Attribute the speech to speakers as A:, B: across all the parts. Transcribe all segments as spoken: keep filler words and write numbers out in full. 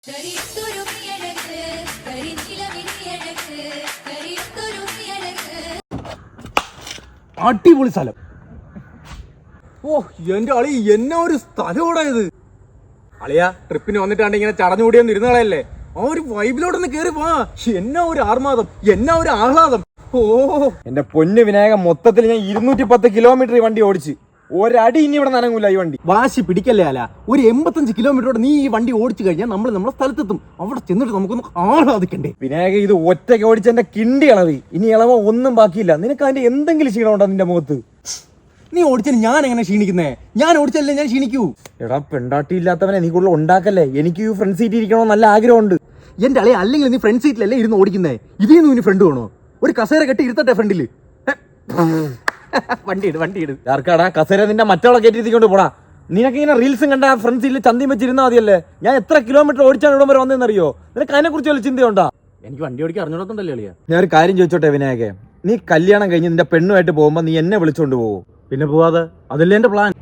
A: അടിപൊളി സ്ഥലം. ഓ എന്റെ അളി, എന്നാ ഒരു സ്ഥലം ഇത്. അളിയാ, ട്രിപ്പിന് വന്നിട്ടാണ്ട് ഇങ്ങനെ ചടഞ്ഞുകൂടിയൊന്നും ഇരുന്നളയല്ലേ, ആ ഒരു വൈബിലോട്ടൊന്ന് കേറി വാ. എന്നാ ഒരു ആർമാദം, എന്നാ ഒരു ആഹ്ലാദം. ഓ എന്റെ പൊന്നു വിനായകൻ, മൊത്തത്തിൽ ഞാൻ ഇരുന്നൂറ്റി പത്ത് കിലോമീറ്റർ ഈ വണ്ടി ഓടിച്ച്. ഒരടി ഇനി ഇവിടെ നനങ്ങൂല ഈ വണ്ടി. വാശി പിടിക്കല്ലേ അല്ല, ഒരു എൺപത്തഞ്ച് കിലോമീറ്ററോടെ നീ ഈ വണ്ടി ഓടിച്ചു കഴിഞ്ഞാൽ നമ്മൾ നമ്മുടെ സ്ഥലത്തെത്തും. അവിടെ ചെന്നിട്ട് നമുക്കൊന്ന് ആഹ്ലാദിക്കണ്ടേ. വിനായക, ഇത് ഒറ്റയ്ക്ക് ഓടിച്ച എന്റെ കിണ്ടി ഇളവി. ഇനി ഇളവ ഒന്നും ബാക്കിയില്ല. നിനക്ക് അതിന്റെ എന്തെങ്കിലും ക്ഷീണമുണ്ടോ നിന്റെ മുഖത്ത്? നീ ഓടിച്ചാൽ ഞാൻ എങ്ങനെ ക്ഷീണിക്കുന്നേ? ഞാൻ ഓടിച്ചല്ലേ ഞാൻ ക്ഷീണിക്കൂ. എടാ പെണ്ടാട്ടി ഇല്ലാത്തവനെ നീ കൂടുതൽ ഉണ്ടാക്കല്ലേ. എനിക്ക് ഈ ഫ്രണ്ട് സീറ്റ് ഇരിക്കണോ നല്ല ആഗ്രഹമുണ്ട്. എന്റെ അളി, അല്ലെങ്കിൽ നീ ഫ്രണ്ട് സീറ്റിലല്ലേ ഇരുന്ന് ഓടിക്കുന്നേ. ഇതിൽ നിന്ന് ഇനി ഫ്രണ്ട് വേണോ? ഒരു കസേര കെട്ടി ഇരുത്തട്ടെ ഫ്രണ്ടില്. വണ്ടി ഇട് വണ്ടി ഇട് ആർക്കാടാ കസേര? നിന്റെ മറ്റവളെ കയറ്റിക്കൊണ്ട് പോടാ. നിനക്ക് ഇങ്ങനെ റീൽസും കണ്ട ഫ്രണ്ട് സീറ്റിൽ ചന്തിയും വെച്ചിരുന്നാ മതിയല്ലേ. ഞാൻ എത്ര കിലോമീറ്റർ ഓടിച്ചാണ് ഇവിടം വരെ വന്നതെന്നറിയോ? നിനക്ക് അതിനെ കുറിച്ച് വല്ല ചിന്തയുണ്ടോ? എനിക്ക് വണ്ടി ഓടിക്കാൻ അറിഞ്ഞോടത്തുണ്ടല്ലേ അളിയാ. ഞാൻ ഒരു കാര്യം ചോദിച്ചോട്ടെ വിനായകെ, നീ കല്യാണം കഴിഞ്ഞ് നിന്റെ പെണ്ണുമായിട്ട് പോകുമ്പോ നീ എന്നെ വിളിച്ചോണ്ട് പോകും? പിന്നെ പോവാതെ? അതല്ലേ എന്റെ പ്ലാൻ.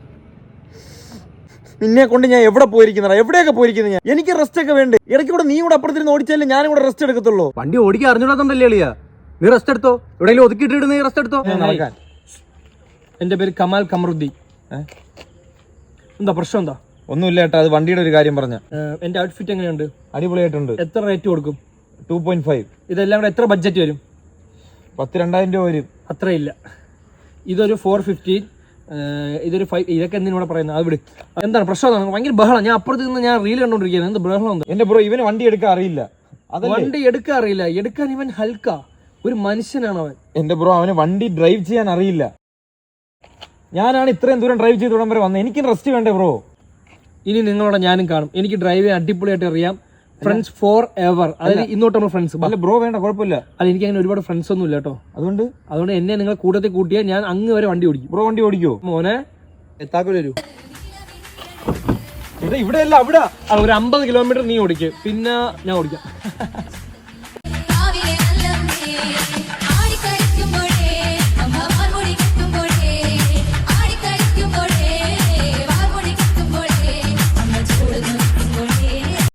A: നിന്നെ കൊണ്ട് ഞാൻ എവിടെ പോയിരിക്കുന്ന, എവിടെയൊക്കെ പോയിരിക്കുന്ന ഞാൻ. എനിക്ക് റെസ്റ്റ് ഒക്കെ വേണ്ടേ? ഇടയ്ക്ക് കൂടെ നീ കൂടെ അപ്പുറത്തിരുന്ന് ഓടിച്ചാലേ ഞാനും കൂടെ റെസ്റ്റ് എടുക്കത്തുള്ളൂ. വണ്ടി ഓടിക്കാൻ അറിഞ്ഞോടത്തുണ്ടല്ലേ അളിയാ. നീ റെസ്റ്റ് എടുത്തോ, എവിടെയെങ്കിലും ഒതുക്കിയിട്ടിട്ട് നീ റെസ്റ്റ് എടുത്തോ. നടക്കാൻ.
B: എന്റെ പേര് കമാൽ കമറുദ്ദീൻ. എന്താ പ്രശ്നം? എന്താ?
A: ഒന്നുമില്ല ഏട്ടാ, അത് വണ്ടിയുടെ ഒരു കാര്യം പറഞ്ഞ.
B: എന്റെ ഔട്ട്ഫിറ്റ് എങ്ങനെയുണ്ട്?
A: അടിപൊളിയായിട്ടുണ്ട്.
B: എത്ര റേറ്റ് കൊടുക്കും?
A: Two point five.
B: ഇതെല്ലാം കൂടെ എത്ര ബഡ്ജറ്റ് വരും?
A: പത്ത് രണ്ടായിരം രൂപ വരും.
B: അത്രയില്ല. ഇതൊരു ഫോർ ഫിഫ്റ്റീൻ. ഇതൊരു ഫൈവ്. ഇതൊക്കെ എന്തിനൂടെ പറയുന്നത്? അത് വിട്. എന്താണ് പ്രശ്നം? ഭയങ്കര ബഹളം. ഞാൻ അപ്പുറത്ത് നിന്ന് ഞാൻ റീൽ കണ്ടോണ്ടിരിക്കുന്നത്. എന്ത് ബഹളം? എന്താ
A: എന്റെ ബ്രോ, ഇവന് വണ്ടി എടുക്കാൻ അറിയില്ല.
B: വണ്ടി എടുക്കാൻ അറിയില്ല? എടുക്കാൻ ഇവൻ ഹൽക്ക ഒരു മനുഷ്യനാണ് അവൻ.
A: എന്റെ ബ്രോ, അവന് വണ്ടി ഡ്രൈവ് ചെയ്യാൻ അറിയില്ല. ഞാനാണ് ഇത്രയും ദൂരം ഡ്രൈവ് ചെയ്ത് ഇവിടം വരെ വന്നത്. എനിക്ക് റെസ്റ്റ് വേണ്ടേ ബ്രോ?
B: ഇനി നിങ്ങളോട് ഞാനും കാണും. എനിക്ക് ഡ്രൈവ് ചെയ്യാൻ അടിപൊളിയായിട്ട് അറിയാം. Friends forever. അതായത് ഇന്നോട്ട് നമ്മൾ ഫ്രണ്ട്സ്.
A: അല്ല ബ്രോ, വേണ്ട, കുഴപ്പമില്ല.
B: അല്ല, എനിക്ക് അങ്ങനെ ഒരുപാട് ഫ്രണ്ട്സ് ഒന്നും ഇല്ല കേട്ടോ. അതുകൊണ്ട് അതുകൊണ്ട് എന്നെ നിങ്ങൾ കൂട്ടത്തിൽ കൂട്ടിയാൽ ഞാൻ അങ്ങ് വരെ വണ്ടി ഓടിക്കും.
A: ബ്രോ വണ്ടി ഓടിക്കോ?
B: മോനെ എത്താക്കൂല വരൂ.
A: ഇവിടെ അല്ല അവിടെ.
B: ഒരു അമ്പത് കിലോമീറ്റർ നീ ഓടിക്കും, പിന്നെ ഞാൻ ഓടിക്കാം.